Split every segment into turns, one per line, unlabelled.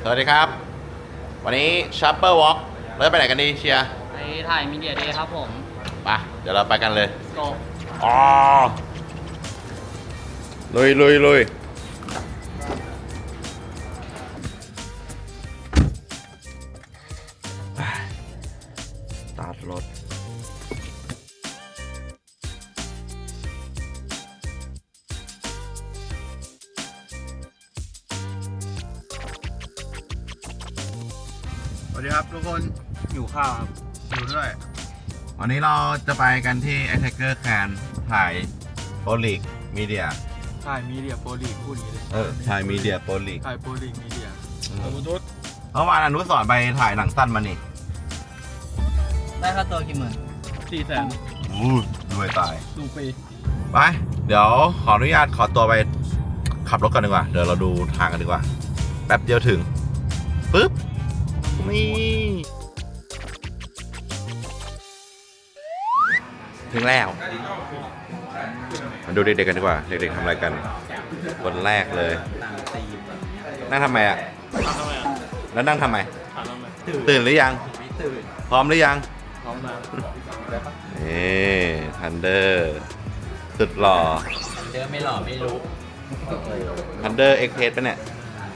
วัสดีครับวันนี้ชัปเปอร์วอล์กเราจะไปไหนกันดีเชียร์
ไปถ่ายมีเดียเดย์ครับผม
ไปเดี๋ยวเราไปกันเลย
โก
อ๋อลุยสตาร์ทรถสวัสดีครับทุกคน
อยู่ข้าวครับ
อยู่ด้วยวันนี้เราจะไปกันที่ Attacker Can ถ่ายโปรลีกมีเดีย
ถ่ายมีเดียโปรลีกพูดอย่างนี้เลย
ถ่ายมีเดียโปรลีก
ถ่ายโปรลีกมีเดีย
เมื่อวานอนุสรณ์ไปถ่ายหนังสั้นมานี่
ได้ค่าตัวกี่หมื่น400,000
รวยตาย
ดูปี
ไปเดี๋ยวขออนุญาตขอตัวไปขับรถกันดีกว่าเดี๋ยวเราดูทางกันดีกว่าแป๊บเดียวถึงปึ๊บนี่ถึงแล้วมาดูเด็กๆกันดีกว่าเด็กๆทำอะไรกันคนแรกเลยนั่งทำไมอ่ะแล้วนั่งทำไมตื่นหรือยังพร้อมหรือยัง
พร้อมนะ
นี่ทันเดอร์สุดหล่อ
เจอไม่หล่อไม่รู้
ทันเดอร์เอ็กเพสปะเนี่ย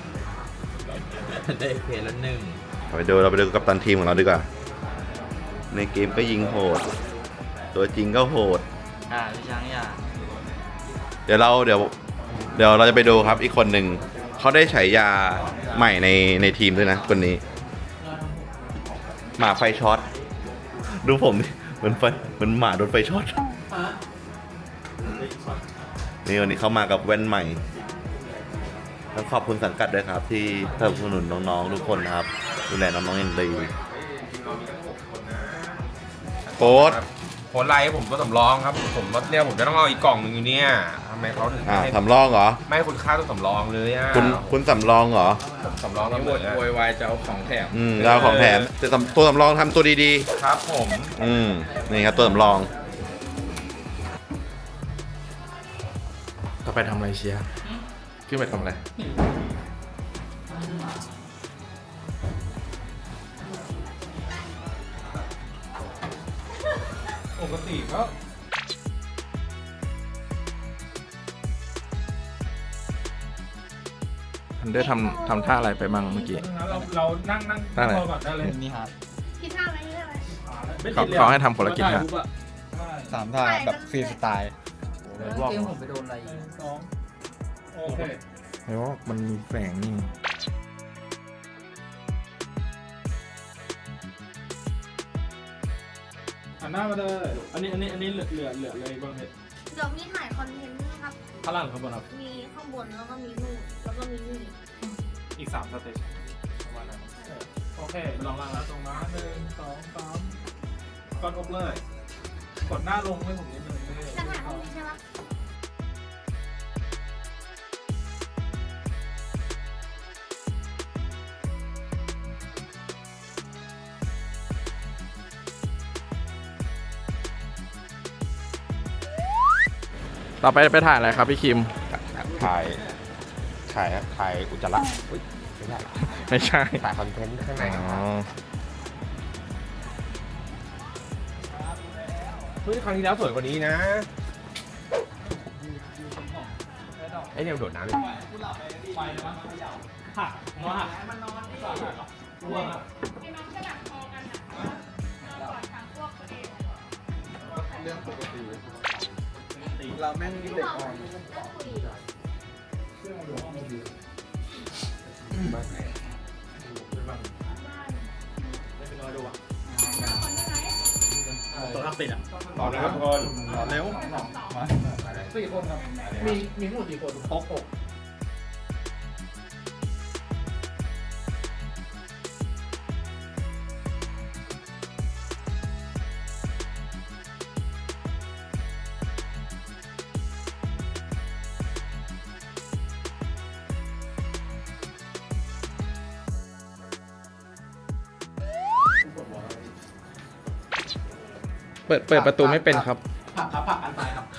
ได้เพลแล้วหนึ่ง
เราไปดูกัปตันทีมของเราดีกว่าในเกมก็ยิงโหดตัวจริงก็โหด
พี่ช้างอย่า
เดี๋ยวเราจะไปดูครับอีกคนหนึ่งเขาได้ฉายาใหม่ในทีมด้วยนะคนนี้หมาไฟช็อตดูผมเหมือนหมาโดนไฟช็อตนี่วันนี้เขามากับแว่นใหม่ต้องขอบคุณสังกัดด้วยครับที่สนับสนุนน้องๆทุกคนนะครับดูแลน้องๆอย่างดีโค้ด
ไลน์ผมก็สำรองครับผมรถเนี่ยผมจะต้องเอาอีกกล่องหนึ่งอยู่เนี่ยทำไมเขาถึง
สำรองเหรอ
ไม่คุณค่าต้องสำรองเลยอ่ะ
คุณสำรองเหรอ
สำรองนี่โวยวายจะเอาของแถม
เราของแถมแต่ตัวสำรองทำตัวดี
ๆครับผม
นี่ครับตัวสำรอง
ก็ไปทำอะไรเชียร์ขึ้นไปทำอะไรปกติก็
ทันเดอร์ทำท่าอะไรไปบ้างเมื่อกี้
เรานั่ง
ท่าอะไร
ก่อนได้เลย
นี่ครับ
คิดท่าไหมคิดท่าไหม
เขาให้ทำคนละกิจฮะ
3 ท่าแบบฟรีสไตล์เกมผมไปโดนอะไร
โอเค
แล้วมันมีแฝงนี่
หันหน้ามาเลยอันนี้เหลือเลยบ้างเนี่ย
เดี๋ยวมีถ่ายคอนเทนต์นะครับ
ข้างล่างข้างบนครับ
มีข้างบนแล้วก็มีนู่นแล้วก็มีนี่
อีก3 สเตจประมาณนั้นโอเคลองล่างแล้วตรงนั้น1 2 3ก่อนอบเลยกดหน้าลงให้ผมนิดนึง
จะถ่ายรูปนี้ใช่ไหม
ต่อไปไปถ่ายอะไรครับพี่คิม
ถ่ายอุจจาระ
ไม่ใช่
ถ่ายคอนเทนต์ข้างใน
เฮ้ยครั้งที่แล้วสวยกว่านี้นะไอ้เนี่ยโดดน้ำเลยหักหัวหักมันนอน
เรื่องปกติเราแม่งเด็กอ่อน
ตัวนักติดอ่ะต่อเลยครับทุกคนต่อเร็ว
มา4 คนครับมีทั้งหมดกี่คนครบ6
เปิดประตูไม่เป็นครับ
ผักอันตายครับ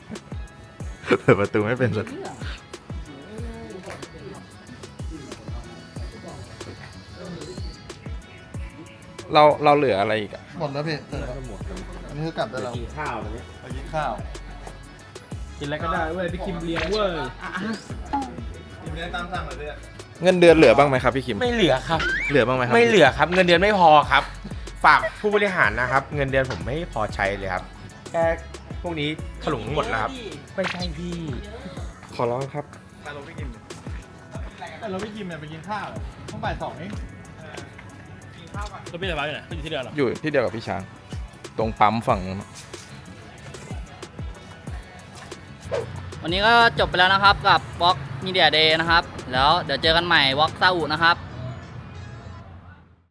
เปิดประตูไม่เป็นสักเราเหลืออะไรอีกอะ
หมดแล้วพี่อันนี้คือกลับได้แล้วกินข้าวเลยไปกินข้าว
กินอะไรก็ได้เว้ยพี่คิมเลี้ยงเว้ย
กินได้ตามสั่งเลย
เงินเดือนเหลือบ้างไหมครับพี่คิม
ไม่เหลือครับ
เหลือบ้างไหมครับ
ไม่เหลือครับ เงินเดือนไม่พอครับ ฝากผู้บริหารนะครับ เงินเดือนผมไม่พอใช้เลยครับแค่พวกนี้ถลุงหมดแล้วครับไม่ใช่พี่
ขอร้องครับ
แต่เราไม่กินเนี่ยไปกินข้าวต้องบ่าย2เอง
แล้วพี่สบายอยู่ไหนพี่อยู่ที่เดิมเหรอ
อยู่ที่เดียวกับพี่ช้าง ตรงปั๊มฝั่งนู้น
วันนี้ก็จบไปแล้วนะครับกับ Walk Media Day นะครับ แล้วเดี๋ยวเจอกันใหม่ Walk ซาอุนะครับ